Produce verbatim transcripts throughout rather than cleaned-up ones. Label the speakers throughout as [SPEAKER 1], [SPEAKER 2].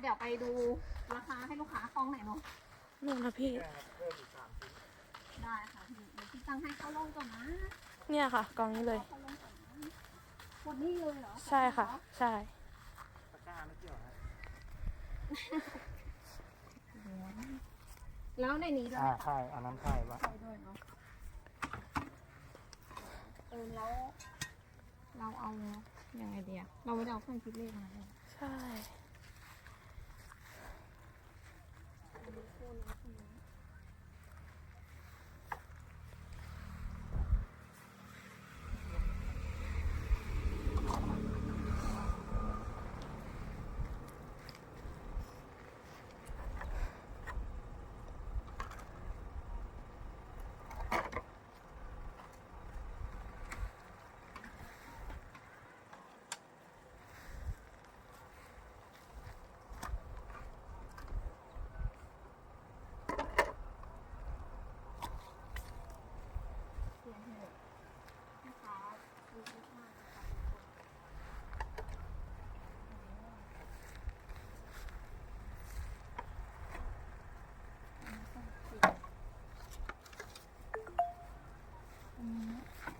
[SPEAKER 1] เดี๋ยวไปดูราคาให้ลูกค้ากองไหนเนาะ
[SPEAKER 2] นู่นนะพี่
[SPEAKER 3] เพิ่มอีกสามชิ้น
[SPEAKER 1] ได้ค่ะพี่เดี๋ยวพี่ตั้งให้เข้าลงก่อนนะ
[SPEAKER 2] เนี่ยค่ะกองนี้เลย
[SPEAKER 1] เข้าลงก่อนนะหมดนี่เลยเหรอ
[SPEAKER 2] ใช่ค่ะ ใช่
[SPEAKER 3] ตะกร้าไม่เกี่ยวนะ
[SPEAKER 1] แล้วในนี้ด้วย
[SPEAKER 3] อ่า
[SPEAKER 1] ไหมคะ
[SPEAKER 3] ใช่อันนั้นใช่ปะ
[SPEAKER 1] ใช่ด้วยเนาะเออแล้วเราเอายังไงเดียเราไม่ได้เอาเครื่องคิดเลขมาเลย
[SPEAKER 2] ใช่
[SPEAKER 1] เสียงเหอะนะคะดูมากนะคะอืม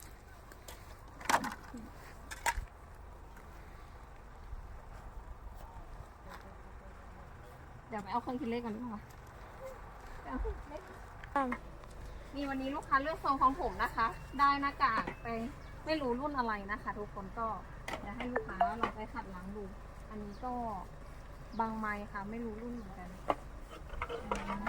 [SPEAKER 1] เดี๋ยวไปเอาเครื่องคิดเลขก่อนดีกว่าไปเอาเครื่องคิดเลข
[SPEAKER 2] ตาม
[SPEAKER 1] มีวันนี้ลูกค้าเลือกทรงของผมนะคะ ได้หน้ากากไปไม่รู้รุ่นอะไรนะคะ ทุกคนก็จะให้ลูกค้าลองไปขัดล้างดู อันนี้ก็บางไม้ค่ะ ไม่รู้รุ่นเหมือนกันอืม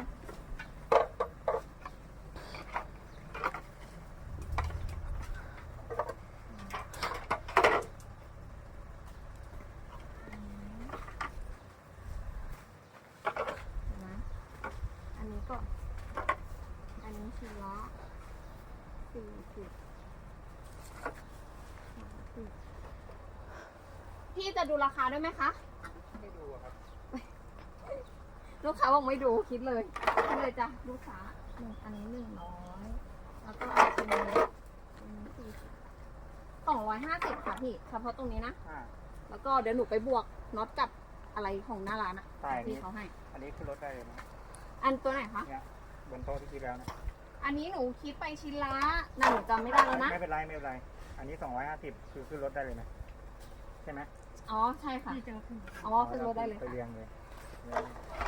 [SPEAKER 1] เห็นไหมอันนี้ก็ อันนี้ชิ้นละสี่สิบพี่จะดูราคาด้วยไหมคะ
[SPEAKER 3] ไม่ดูอะครับ
[SPEAKER 1] ลูกค้าบอกไม่ดูคิดเลยคิดเลยจ้ะลูกค้าหนึ่งอันนี้หนึ่งร้อยแล้วก็อันนี้อันนี้สี่สิบสองร้อยห้าสิบค่ะพี่เฉพาะตรงนี้นะ
[SPEAKER 3] อ่า
[SPEAKER 1] แล้วก็เดี๋ยวหนูไปบวกน็อตกับอะไรของหน้าร้านอะ
[SPEAKER 3] ใช่
[SPEAKER 1] ที่เขาให้
[SPEAKER 3] อันนี้ขึ้นรถได้เลยนะ
[SPEAKER 1] อันตัวไหนคะ
[SPEAKER 3] เนี่ยบนโต๊ะที่คิดแล้วนะ
[SPEAKER 1] อันนี้หนูคิดไปชิ้นละน่าหนูจำไม่ได้แล้วนะ
[SPEAKER 3] ไม่เป็นไรไม่เป็นไร อันนี้สองร้อยห้าสิบคือขึ้นรถได้เลยไหมใช่ไหม
[SPEAKER 1] อ๋อใช่ค่ะอ๋อขึ้นรถได้เลย
[SPEAKER 3] ไป
[SPEAKER 1] ค่ะ
[SPEAKER 3] เรียงเลย